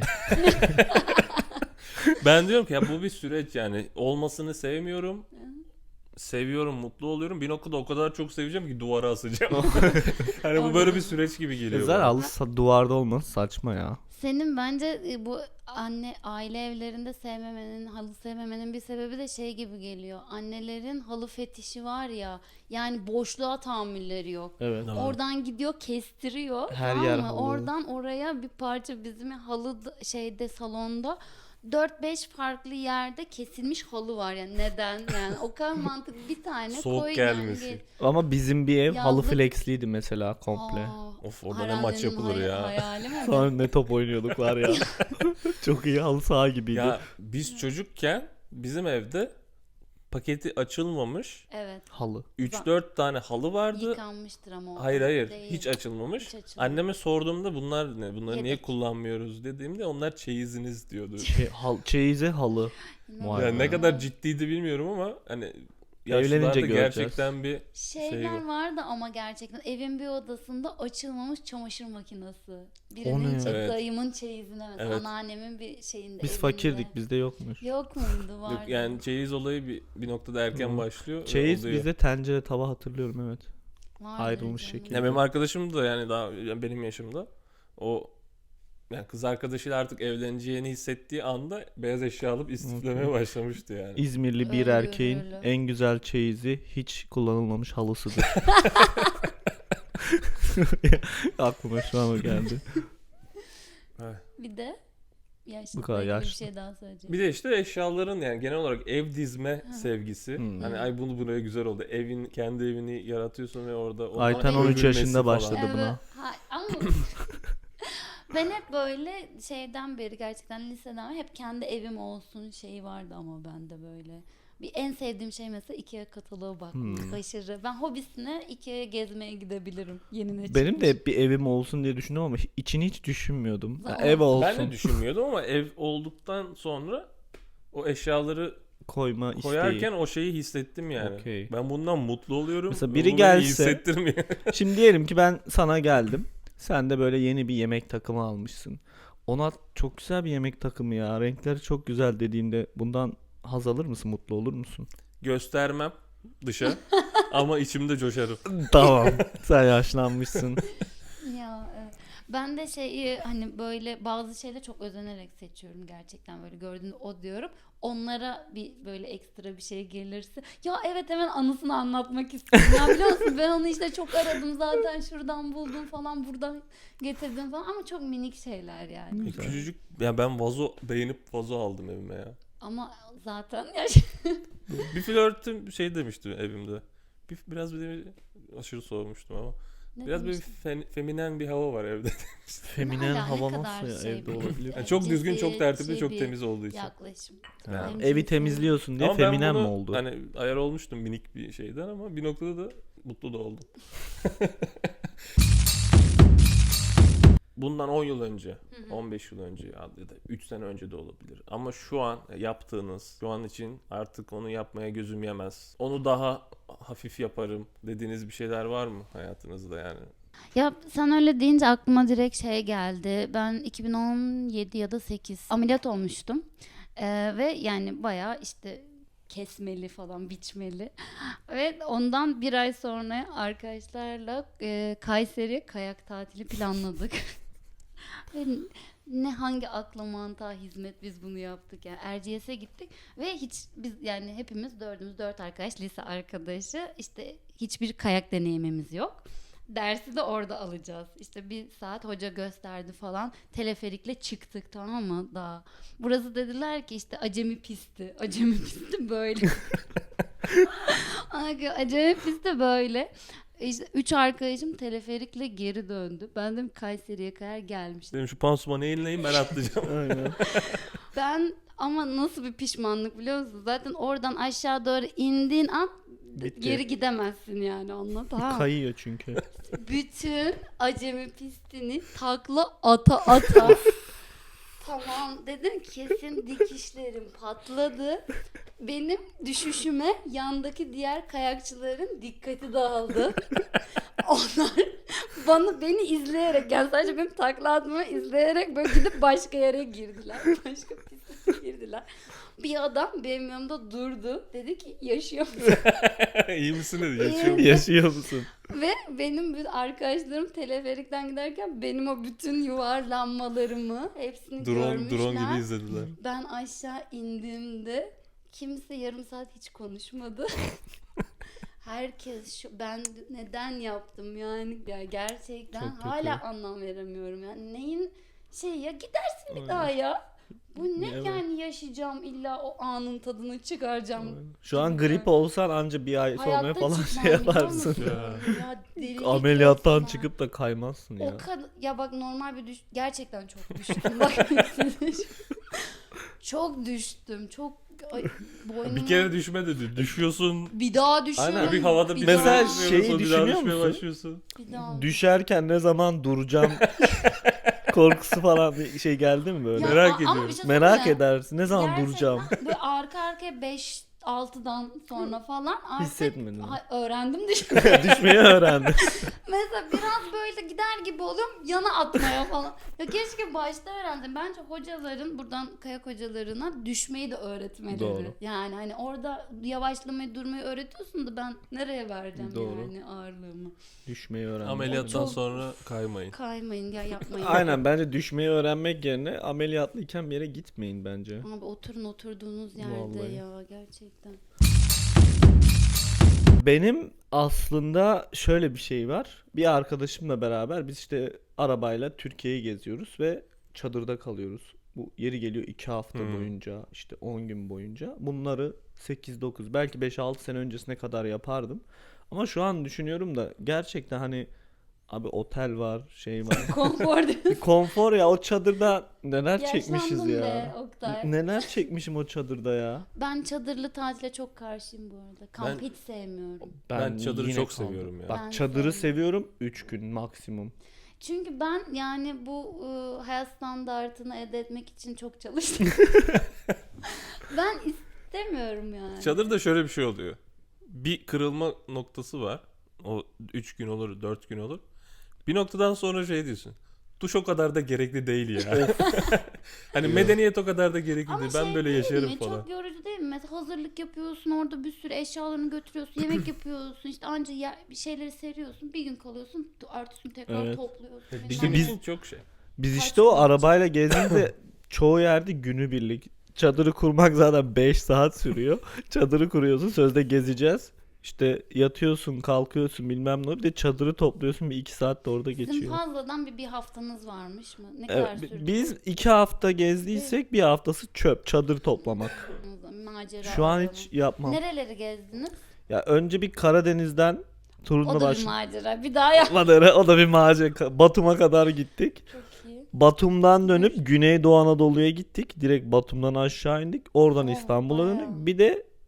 [SPEAKER 4] ben diyorum ki ya bu bir süreç yani. Olmasını sevmiyorum. Seviyorum, mutlu oluyorum. Bir noktada o kadar çok seveceğim ki duvara asacağım. Hani bu böyle bir süreç gibi geliyor.
[SPEAKER 3] Güzel
[SPEAKER 4] bana.
[SPEAKER 3] halı duvarda olması saçma ya.
[SPEAKER 1] Senin bence bu aile evlerinde halı sevmemenin bir sebebi de şey gibi geliyor. Annelerin halı fetişi var ya. Yani boşluğa tahammülleri yok.
[SPEAKER 3] Evet.
[SPEAKER 4] Evet.
[SPEAKER 1] Oradan gidiyor kestiriyor.
[SPEAKER 3] Her
[SPEAKER 1] tamam
[SPEAKER 3] yer
[SPEAKER 1] mı?
[SPEAKER 3] halı.
[SPEAKER 1] Oradan oraya bir parça bizim şeyde salonda 4-5 farklı yerde kesilmiş halı var yani. Neden? Yani o kadar mantıklı, bir tane
[SPEAKER 4] Soğuk
[SPEAKER 1] koy
[SPEAKER 4] gelmesi.
[SPEAKER 1] yani.
[SPEAKER 3] Ama bizim bir ev halı
[SPEAKER 1] Yazlık-
[SPEAKER 3] flexliydi mesela komple.
[SPEAKER 1] Aa,
[SPEAKER 4] Of, orada ne
[SPEAKER 1] Haralde'nin
[SPEAKER 4] maç yapılır ya.
[SPEAKER 1] Hayali mi?
[SPEAKER 3] Sonra ne top oynuyorduk var ya. Çok iyi halı saha gibiydi.
[SPEAKER 4] Ya biz çocukken bizim evde paketi açılmamış
[SPEAKER 1] Evet.
[SPEAKER 3] Halı.
[SPEAKER 4] 3-4 tane halı vardı.
[SPEAKER 1] Yıkanmıştır ama o.
[SPEAKER 4] Hayır
[SPEAKER 1] Değil.
[SPEAKER 4] hiç açılmamış.
[SPEAKER 1] Hiç açılmamış.
[SPEAKER 4] Anneme sorduğumda bunlar ne? Bunları niye
[SPEAKER 1] Yedek.
[SPEAKER 4] kullanmıyoruz dediğimde onlar çeyiziniz diyordu.
[SPEAKER 3] Çeyize halı.
[SPEAKER 1] İnanılmaz.
[SPEAKER 3] Vay
[SPEAKER 4] Yani
[SPEAKER 3] be.
[SPEAKER 4] ne kadar ciddiydi bilmiyorum ama hani
[SPEAKER 3] Evlenince
[SPEAKER 4] yaşlılarda
[SPEAKER 3] göreceğiz.
[SPEAKER 4] gerçekten bir
[SPEAKER 1] Şeyler
[SPEAKER 4] şey var.
[SPEAKER 1] vardı ama gerçekten evin bir odasında açılmamış çamaşır makinesi.
[SPEAKER 3] O
[SPEAKER 1] Birinin
[SPEAKER 3] ne?
[SPEAKER 4] Evet.
[SPEAKER 1] dayımın çeyizine mesela,
[SPEAKER 4] Evet.
[SPEAKER 1] anneannemin bir şeyinde.
[SPEAKER 3] Biz
[SPEAKER 1] evinde.
[SPEAKER 3] fakirdik bizde yokmuş.
[SPEAKER 1] Yok muydu, vardı.
[SPEAKER 4] Yok, yani çeyiz olayı bir noktada erken
[SPEAKER 3] Hı.
[SPEAKER 4] başlıyor. ve
[SPEAKER 3] Çeyiz
[SPEAKER 4] oluyor.
[SPEAKER 3] bizde tencere tava hatırlıyorum evet.
[SPEAKER 1] Vardı
[SPEAKER 3] ayrılmış
[SPEAKER 1] canım.
[SPEAKER 3] şekilde.
[SPEAKER 4] Ya benim arkadaşım da yani daha yani benim yaşımda o yani kız arkadaşıyla artık evleneceğini hissettiği anda beyaz eşya alıp istiflemeye başlamıştı yani.
[SPEAKER 3] İzmirli bir
[SPEAKER 1] Öyle,
[SPEAKER 3] erkeğin
[SPEAKER 1] öyle.
[SPEAKER 3] en güzel çeyizi hiç kullanılmamış halısıdır. Aklıma şu an o geldi.
[SPEAKER 1] Bir de yaşlı
[SPEAKER 3] Bu kadar
[SPEAKER 1] bir
[SPEAKER 3] yaşlı.
[SPEAKER 1] şey daha söyleyeceğim.
[SPEAKER 4] Bir de işte eşyaların yani genel olarak ev dizme sevgisi.
[SPEAKER 3] Hmm.
[SPEAKER 4] Hani ay bunu buraya güzel oldu. Kendi evini yaratıyorsun ve orada o
[SPEAKER 3] Ayten
[SPEAKER 4] an
[SPEAKER 3] 13
[SPEAKER 4] övülmesi
[SPEAKER 3] yaşında
[SPEAKER 4] falan.
[SPEAKER 3] başladı. buna.
[SPEAKER 1] Ama ben hep böyle şeyden beri, gerçekten liseden beri hep kendi evim olsun şeyi vardı ama bende böyle. Bir en sevdiğim şey mesela IKEA kataloğu bakmak. Aşırı. Ben hobisine IKEA'ya gezmeye gidebilirim. Yeni ne
[SPEAKER 3] Benim de
[SPEAKER 1] çıkmış.
[SPEAKER 3] hep bir evim olsun diye düşündüm ama içini hiç düşünmüyordum. Ya
[SPEAKER 1] Zaten-
[SPEAKER 3] ev olsun
[SPEAKER 4] Ben de düşünmüyordum ama ev olduktan sonra o eşyaları
[SPEAKER 3] koyma isteği.
[SPEAKER 4] koyarken o şeyi hissettim yani.
[SPEAKER 3] Okey.
[SPEAKER 4] Ben bundan mutlu oluyorum.
[SPEAKER 3] Mesela
[SPEAKER 4] ve
[SPEAKER 3] biri
[SPEAKER 4] bu beni
[SPEAKER 3] gelse-
[SPEAKER 4] iyi hissettirmiyor.
[SPEAKER 3] Şimdi diyelim ki ben sana geldim. Sen de böyle yeni bir yemek takımı almışsın. Ona çok güzel bir yemek takımı ya. Renkleri çok güzel dediğimde bundan haz alır mısın? Mutlu olur musun?
[SPEAKER 4] Göstermem dışa ama içimde coşarım.
[SPEAKER 3] Tamam. Sen yaşlanmışsın.
[SPEAKER 1] Ya evet. Ben de şeyi hani böyle bazı şeyleri çok özenerek seçiyorum gerçekten, böyle gördüğünde o diyorum. Onlara bir böyle ekstra bir şey gelirse ya evet hemen anısını anlatmak istiyorum. Ya biliyor musun, ben onu işte çok aradım zaten, şuradan buldum falan, buradan getirdim falan, ama çok minik şeyler yani.
[SPEAKER 3] Güzel.
[SPEAKER 4] Küçücük ya ben beğenip vazo aldım evime ya.
[SPEAKER 1] Ama zaten ya
[SPEAKER 4] Bir flörtüm şey demişti evimde. Biraz bir aşırı soğumuştum ama.
[SPEAKER 1] ne
[SPEAKER 4] Biraz
[SPEAKER 1] demiştim?
[SPEAKER 4] bir feminen bir hava var evde.
[SPEAKER 3] Feminen
[SPEAKER 1] Hala ne
[SPEAKER 3] hava
[SPEAKER 1] kadar
[SPEAKER 3] nasıl ya
[SPEAKER 1] şey
[SPEAKER 3] evde
[SPEAKER 1] bu.
[SPEAKER 3] olabilir?
[SPEAKER 4] Yani çok düzgün, çok tertipli,
[SPEAKER 1] Cinsiyetçi
[SPEAKER 4] çok
[SPEAKER 1] bir
[SPEAKER 4] temiz olduğu için.
[SPEAKER 1] yaklaşım.
[SPEAKER 3] Ha,
[SPEAKER 1] Benim
[SPEAKER 3] evi
[SPEAKER 1] cinsiyet-
[SPEAKER 3] temizliyorsun diye
[SPEAKER 4] Ama ben
[SPEAKER 3] feminen mi
[SPEAKER 4] bunu
[SPEAKER 3] oldu?
[SPEAKER 4] hani ayar olmuştum minik bir şeyden ama bir noktada da mutlu da oldum. bundan 10 yıl önce, 15 yıl önce ya da 3 sene önce de olabilir. Ama şu an yaptığınız, şu an için artık onu yapmaya gözüm yemez. Onu daha hafif yaparım dediğiniz bir şeyler var mı hayatınızda yani?
[SPEAKER 1] Ya sen öyle deyince aklıma direkt şey geldi. Ben 2017 ya da 8 ameliyat olmuştum. Ve yani bayağı işte kesmeli falan, biçmeli. Ve ondan bir ay sonra arkadaşlarla Kayseri kayak tatili planladık. Ve ne hangi akla mantığa hizmet biz bunu yaptık yani. Erciyes'e gittik ve hiç biz yani hepimiz dört arkadaş, lise arkadaşı, işte hiçbir kayak deneyimimiz yok. Dersi de orada alacağız. İşte bir saat hoca gösterdi falan. Teleferikle çıktık, tamam mı, daha. Burası dediler ki işte acemi pisti. Acemi pisti böyle. Acemi pisti böyle. İşte 3 arkadaşım teleferikle geri döndü. Ben dedim Kayseri'ye kadar gelmiştim.
[SPEAKER 4] Dedim şu pansumanı elinleyin, ben atlayacağım.
[SPEAKER 3] Aynen.
[SPEAKER 1] Ben ama nasıl bir pişmanlık biliyor musun? Zaten oradan aşağı doğru indiğin an
[SPEAKER 3] Bitti.
[SPEAKER 1] geri gidemezsin yani, onunla, tamam mı?
[SPEAKER 3] Kayıyor çünkü.
[SPEAKER 1] Bütün acemi pistini takla ata tamam dedim, kesin dikişlerim patladı. Benim düşüşüme yandaki diğer kayakçıların dikkati dağıldı. Onlar beni izleyerek, yani sadece benim takla atmamı izleyerek böyle gidip başka yere girdiler. Başka piste girdiler. Bir adam benim yanımda durdu. Dedi ki yaşıyor musun?
[SPEAKER 4] İyi misin dedi. Yaşıyor mu?
[SPEAKER 3] Yaşıyor musun?
[SPEAKER 1] Ve benim bütün arkadaşlarım teleferikten giderken benim o bütün yuvarlanmalarımı hepsini görmüşler.
[SPEAKER 4] Drone gibi izlediler.
[SPEAKER 1] Ben aşağı indiğimde kimse yarım saat hiç konuşmadı. Herkes ben neden yaptım yani, ya gerçekten
[SPEAKER 3] Çok kötü.
[SPEAKER 1] hala anlam veremiyorum yani, neyin ya, gidersin bir daha ya. Bu ne
[SPEAKER 3] Evet.
[SPEAKER 1] yani, yaşayacağım illa o anın tadını çıkaracağım.
[SPEAKER 3] Şu an grip olsan anca bir ay sonra
[SPEAKER 1] Hayatta
[SPEAKER 3] falan
[SPEAKER 1] çıkmam,
[SPEAKER 3] şey
[SPEAKER 1] biliyor
[SPEAKER 3] yaparsın.
[SPEAKER 1] musun?
[SPEAKER 4] Ya.
[SPEAKER 1] Ya delilik
[SPEAKER 3] Ameliyattan
[SPEAKER 1] resmen.
[SPEAKER 3] çıkıp da kaymazsın ya.
[SPEAKER 1] O kadar ya, bak normal bir gerçekten çok düştüm. Bak çok düştüm. Çok boynum.
[SPEAKER 4] Bir kere düşme dedi. Düşüyorsun.
[SPEAKER 1] Bir daha düşüyorum.
[SPEAKER 3] Aynen.
[SPEAKER 4] Bir havada bir
[SPEAKER 3] Mesela
[SPEAKER 4] daha
[SPEAKER 3] şeyi
[SPEAKER 4] düşüyorsun, bir daha
[SPEAKER 3] düşünüyor
[SPEAKER 4] düşmeye
[SPEAKER 3] musun?
[SPEAKER 4] başlıyorsun.
[SPEAKER 1] Bir daha.
[SPEAKER 3] Düşerken ne zaman duracağım korkusu falan bir şey geldi mi böyle?
[SPEAKER 1] Ya,
[SPEAKER 4] Merak
[SPEAKER 1] ama
[SPEAKER 4] ediyorum.
[SPEAKER 1] bir şey
[SPEAKER 3] Merak
[SPEAKER 1] söyleyeyim mi?
[SPEAKER 3] edersin. Ne zaman
[SPEAKER 1] Gerçekten
[SPEAKER 3] duracağım?
[SPEAKER 1] Böyle arka arkaya 5-6'dan sonra falan artık
[SPEAKER 3] Hissetmedin mi?
[SPEAKER 1] öğrendim düşmeyi.
[SPEAKER 3] Düşmeyi öğrendim.
[SPEAKER 1] Mesela biraz böyle gider gibi oluyorum, yana atmaya falan. Ya keşke başta öğrendim. Bence hocaların, buradan kayak hocalarına düşmeyi de öğretmeleri.
[SPEAKER 3] Doğru.
[SPEAKER 1] Yani hani orada yavaşlamayı, durmayı öğretiyorsun da ben nereye vereceğim
[SPEAKER 3] Doğru.
[SPEAKER 1] yani ağırlığımı.
[SPEAKER 3] Düşmeyi öğrendim.
[SPEAKER 4] Ameliyattan
[SPEAKER 1] Çok-
[SPEAKER 4] sonra kaymayın.
[SPEAKER 1] Kaymayın ya, yapmayın.
[SPEAKER 3] Aynen, bence düşmeyi öğrenmek yerine ameliyatlıyken bir yere gitmeyin bence.
[SPEAKER 1] Abi oturun oturduğunuz yerde
[SPEAKER 3] Vallahi.
[SPEAKER 1] ya, gerçekten.
[SPEAKER 3] Benim aslında şöyle bir şey var. Bir arkadaşımla beraber biz işte arabayla Türkiye'yi geziyoruz ve çadırda kalıyoruz. Bu yeri geliyor 2 hafta boyunca, işte 10 gün boyunca. Bunları 8-9 belki 5-6 sene öncesine kadar yapardım. Ama şu an düşünüyorum da gerçekten hani abi otel var, şey var.
[SPEAKER 1] Konfor diyorsun.
[SPEAKER 3] Bir konfor ya, o çadırda neler çekmişiz
[SPEAKER 1] Yaşlandım
[SPEAKER 3] ya.
[SPEAKER 1] be Oktay.
[SPEAKER 3] Neler çekmişim o çadırda ya.
[SPEAKER 1] Ben çadırlı tatile çok karşıyım bu arada. Kamp hiç sevmiyorum.
[SPEAKER 4] Ben çadırı
[SPEAKER 3] yine
[SPEAKER 4] çok
[SPEAKER 3] kaldım.
[SPEAKER 4] seviyorum ya.
[SPEAKER 3] Bak
[SPEAKER 1] Ben
[SPEAKER 3] çadırı
[SPEAKER 1] sevmiyorum.
[SPEAKER 3] seviyorum 3 gün maksimum.
[SPEAKER 1] Çünkü ben yani bu hayat standartını elde etmek için çok çalıştım. Ben istemiyorum yani.
[SPEAKER 4] Çadırda şöyle bir şey oluyor. Bir kırılma noktası var. O 3 gün olur, 4 gün olur. Bir noktadan sonra şey diyorsun. Duş o kadar da gerekli değil ya. Hani medeniyet o kadar da gerekli
[SPEAKER 1] Ama
[SPEAKER 4] değil. Ben
[SPEAKER 1] şey
[SPEAKER 4] böyle
[SPEAKER 1] değil
[SPEAKER 4] yaşarım
[SPEAKER 1] mi?
[SPEAKER 4] falan.
[SPEAKER 1] Çok yorucu değil mi? Mesela hazırlık yapıyorsun, orada bir sürü eşyalarını götürüyorsun, yemek yapıyorsun, işte anca bir şeyleri seriyorsun, bir gün kalıyorsun, ertesi gün tekrar
[SPEAKER 3] Evet.
[SPEAKER 1] topluyorsun.
[SPEAKER 3] İşte
[SPEAKER 1] Yani
[SPEAKER 3] biz-
[SPEAKER 4] için çok şey.
[SPEAKER 3] Biz
[SPEAKER 1] Kaç
[SPEAKER 3] işte o
[SPEAKER 1] gün
[SPEAKER 3] arabayla gezdiğimizde çoğu yerde günübirlik. Çadırı kurmak zaten 5 saat sürüyor. Çadırı kuruyorsun, sözde gezeceğiz. İşte yatıyorsun, kalkıyorsun bilmem ne. Bir de çadırı topluyorsun, bir 2 saat de orada
[SPEAKER 1] sizin
[SPEAKER 3] geçiyor.
[SPEAKER 1] fazladan bir haftanız varmış mı? Ne kadar
[SPEAKER 3] Evet,
[SPEAKER 1] sürdü?
[SPEAKER 3] biz 2 hafta gezdiysek bir haftası çöp, çadır toplamak.
[SPEAKER 1] Macera
[SPEAKER 3] Şu an
[SPEAKER 1] arama.
[SPEAKER 3] hiç yapmam.
[SPEAKER 1] Nereleri gezdiniz?
[SPEAKER 3] Ya önce bir Karadeniz'den turuna
[SPEAKER 1] O da bir
[SPEAKER 3] başladık.
[SPEAKER 1] macera. Bir daha yap.
[SPEAKER 3] O da bir macera. Batum'a kadar gittik.
[SPEAKER 1] Çok iyi.
[SPEAKER 3] Batum'dan dönüp Güneydoğu Anadolu'ya gittik. Direkt Batum'dan aşağı indik. Oradan
[SPEAKER 1] Oh,
[SPEAKER 3] İstanbul'a
[SPEAKER 1] bayağı.
[SPEAKER 3] döndük. Bir de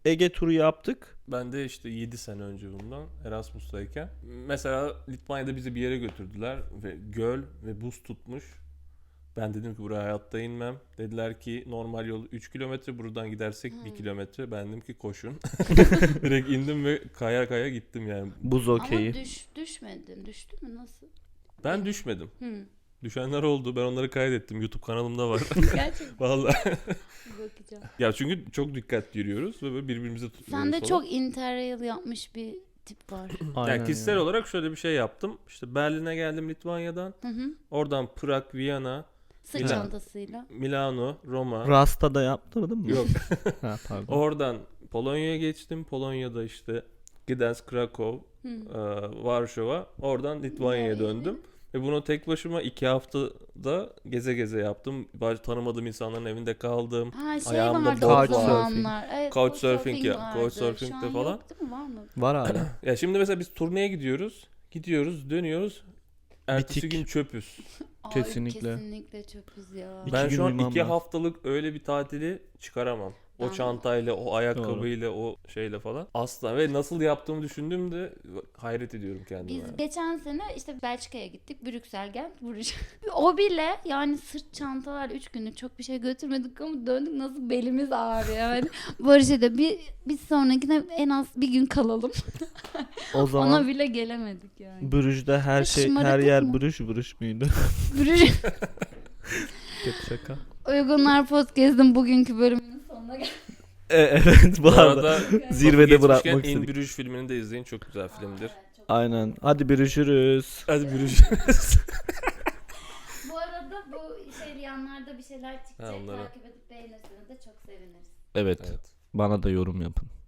[SPEAKER 3] Ege turu yaptık.
[SPEAKER 4] Ben de işte 7 sene önce bundan Erasmus'tayken. Mesela Litvanya'da bizi bir yere götürdüler ve göl ve buz tutmuş. Ben dedim ki buraya hayatta inmem. Dediler ki normal yol 3 kilometre, buradan gidersek 1 kilometre. Ben dedim ki koşun. Direkt indim ve kaya kaya gittim yani.
[SPEAKER 3] Buz okeyi.
[SPEAKER 1] Ama düşmedin. Düştü mü? Nasıl?
[SPEAKER 4] Ben düşmedim.
[SPEAKER 1] Hı.
[SPEAKER 4] Düşenler oldu. Ben onları kaydettim. YouTube kanalımda var.
[SPEAKER 1] Gerçekten
[SPEAKER 4] Vallahi.
[SPEAKER 1] bakacağım.
[SPEAKER 4] Ya çünkü çok dikkatli yürüyoruz ve böyle birbirimize tutuyoruz
[SPEAKER 1] Sen de
[SPEAKER 4] falan.
[SPEAKER 1] çok interrail yapmış bir tip var.
[SPEAKER 3] Aynen
[SPEAKER 4] Yani kişisel
[SPEAKER 3] ya.
[SPEAKER 4] olarak şöyle bir şey yaptım. İşte Berlin'e geldim Litvanya'dan.
[SPEAKER 1] Hı hı.
[SPEAKER 4] Oradan Prag, Viyana,
[SPEAKER 1] Sırt
[SPEAKER 4] Milan.
[SPEAKER 1] çantasıyla.
[SPEAKER 4] Milano, Roma.
[SPEAKER 3] Rasta da yaptırdın mı?
[SPEAKER 4] Yok.
[SPEAKER 3] Ha, pardon.
[SPEAKER 4] Oradan Polonya'ya geçtim. Polonya'da işte Gdansk, Krakow, Varşova. Oradan Litvanya'ya
[SPEAKER 1] Vay.
[SPEAKER 4] döndüm. Ve bunu tek başıma 2 haftada geze geze yaptım. Tanımadığım insanların evinde kaldım.
[SPEAKER 1] Ha şey
[SPEAKER 4] Ayağımda
[SPEAKER 1] vardı
[SPEAKER 3] bot
[SPEAKER 1] o
[SPEAKER 3] var.
[SPEAKER 1] zamanlar. Evet,
[SPEAKER 4] Couchsurfing ya,
[SPEAKER 1] vardı.
[SPEAKER 4] couchsurfing
[SPEAKER 1] Şu
[SPEAKER 4] de
[SPEAKER 1] an
[SPEAKER 4] falan.
[SPEAKER 1] yok değil mi? Var mı?
[SPEAKER 3] Var hala.
[SPEAKER 4] Ya şimdi mesela biz turneye gidiyoruz. Gidiyoruz, dönüyoruz. Ertesi
[SPEAKER 3] Bitik.
[SPEAKER 4] gün çöpüz.
[SPEAKER 1] Ay,
[SPEAKER 3] Kesinlikle.
[SPEAKER 1] kesinlikle çöpüz ya.
[SPEAKER 3] İki
[SPEAKER 4] Ben
[SPEAKER 3] gün
[SPEAKER 4] şu an
[SPEAKER 3] uyumam
[SPEAKER 4] 2
[SPEAKER 3] lazım.
[SPEAKER 4] haftalık öyle bir tatili çıkaramam. O
[SPEAKER 1] Ben-
[SPEAKER 4] çantayla, o ayakkabıyla, o şeyle falan. Asla. Ve nasıl yaptığımı düşündüğümde hayret ediyorum kendime.
[SPEAKER 1] Biz geçen sene işte Belçika'ya gittik. Brüksel, Gent, Bruges. O bile yani sırt çantalar 3 günlük çok bir şey götürmedik ama döndük nasıl belimiz ağrıyor yani. Barış'a da bir sonrakine en az bir gün kalalım.
[SPEAKER 3] O zaman
[SPEAKER 1] Ona bile gelemedik yani.
[SPEAKER 3] Brüj'de her
[SPEAKER 1] Ya
[SPEAKER 3] şey,
[SPEAKER 1] şımarıklık
[SPEAKER 3] her yer
[SPEAKER 1] mı?
[SPEAKER 3] Brüj müydü?
[SPEAKER 1] Bruges
[SPEAKER 3] Kötü şaka.
[SPEAKER 1] Uygunlar Podcast'ın bugünkü bölümünün sonuna geldik.
[SPEAKER 3] Evet bu
[SPEAKER 4] Bu
[SPEAKER 3] arada
[SPEAKER 4] arada
[SPEAKER 3] zirvede
[SPEAKER 4] geçmişken
[SPEAKER 3] bırakmak
[SPEAKER 4] In
[SPEAKER 3] istedik.
[SPEAKER 4] Bruges filmini de izleyin. Çok güzel filmdir.
[SPEAKER 3] Aynen. Hadi görüşürüz.
[SPEAKER 4] Hadi Bruges.
[SPEAKER 1] Bu arada bu yanlarda bir şeyler çıkacak.
[SPEAKER 4] Ha, onları.
[SPEAKER 1] Takip edip beğenirseniz de çok seviniriz.
[SPEAKER 3] Evet.
[SPEAKER 4] Evet.
[SPEAKER 3] Bana da yorum yapın.